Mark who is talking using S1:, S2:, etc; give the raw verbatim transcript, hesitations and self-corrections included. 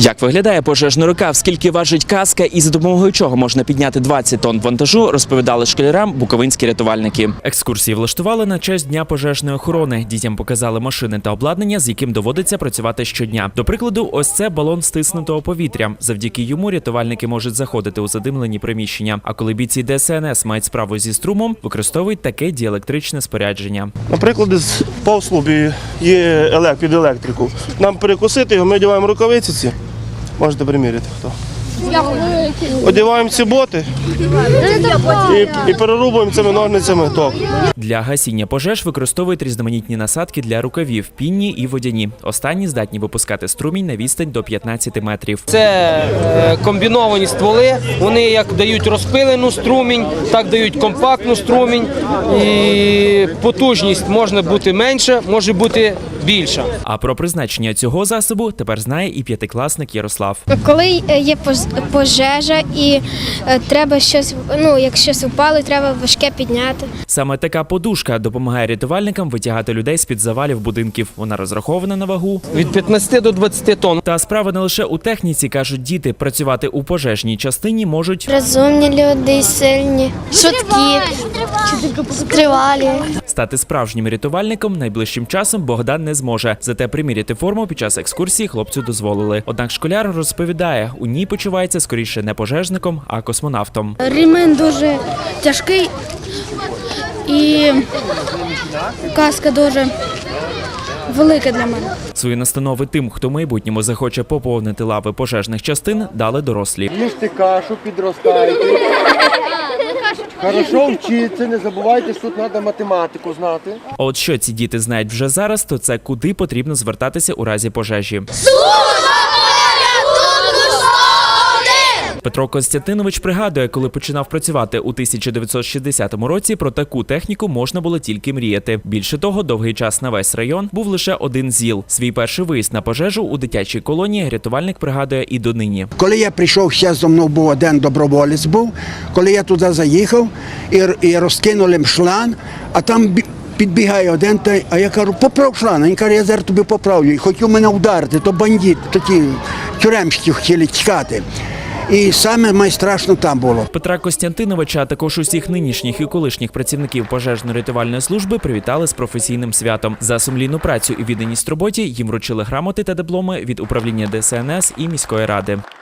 S1: Як виглядає пожежний рукав, скільки важить каска і за допомогою чого можна підняти двадцять тонн вантажу, розповідали школярам буковинські рятувальники. Екскурсії влаштували на честь Дня пожежної охорони. Дітям показали машини та обладнання, з яким доводиться працювати щодня. До прикладу, ось це балон стиснутого повітря. Завдяки йому рятувальники можуть заходити у задимлені приміщення. А коли бійці Де Ес Ен Ес мають справу зі струмом, використовують таке діелектричне спорядження.
S2: Наприклад, по слубі є елек, під електрику. Нам перекусити його, ми одягаємо рукавиці ці. Можете приміряти хто. Одягаємо ці боти і, і перерубуємо цими ножницями ток.
S1: Для гасіння пожеж використовують різноманітні насадки для рукавів – пінні і водяні. Останні здатні випускати струмінь на відстань до п'ятнадцяти метрів.
S3: Це е, комбіновані стволи, вони як дають розпилену струмінь, так дають компактну струмінь. І потужність може бути менша, може бути більша.
S1: А про призначення цього засобу тепер знає і п'ятикласник Ярослав.
S4: Коли є пожежа і треба щось, ну, як щось впало, треба важке підняти.
S1: Саме така подушка допомагає рятувальникам витягати людей з-під завалів будинків. Вона розрахована на вагу.
S3: Від п'ятнадцяти до двадцяти тонн.
S1: Та справа не лише у техніці, кажуть діти. Працювати у пожежній частині можуть
S4: Розумні люди, сильні, швидкі, тривалі.
S1: Стати справжнім рятувальником найближчим часом Богдан не зможе. Зате приміряти форму під час екскурсії хлопцю дозволили. Однак школяр розповідає, у ній почувається скоріше не пожежником, а космонавтом.
S4: Ремень дуже тяжкий і каска дуже велика для мене.
S1: Свої настанови тим, хто в майбутньому захоче поповнити лави пожежних частин, дали дорослі.
S5: Їжте кашу, підростайте. Хорошо вчіться, не забувайте, що тут треба математику знати.
S1: А от що ці діти знають вже зараз, то це куди потрібно звертатися у разі пожежі. Петро Костянтинович пригадує, коли починав працювати у тисяча дев'ятсот шістдесятому році, про таку техніку можна було тільки мріяти. Більше того, довгий час на весь район був лише один ЗІЛ. Свій перший виїзд на пожежу у дитячій колонії рятувальник пригадує і донині.
S6: Коли я прийшов, ще зо мною був один доброволець був, коли я туди заїхав і, і розкинули шланг, а там підбігає один, а я кажу, поправ шланг, він каже, я зараз тобі поправлю. І хотів мене вдарити, то бандит, такі тюремщики хотіли тікати. І саме найстрашно там було.
S1: Петра Костянтиновича, а також усіх нинішніх і колишніх працівників пожежно-рятувальної служби привітали з професійним святом. За сумлінну працю і відданість роботі їм вручили грамоти та дипломи від управління Де Ес Ен Ес і міської ради.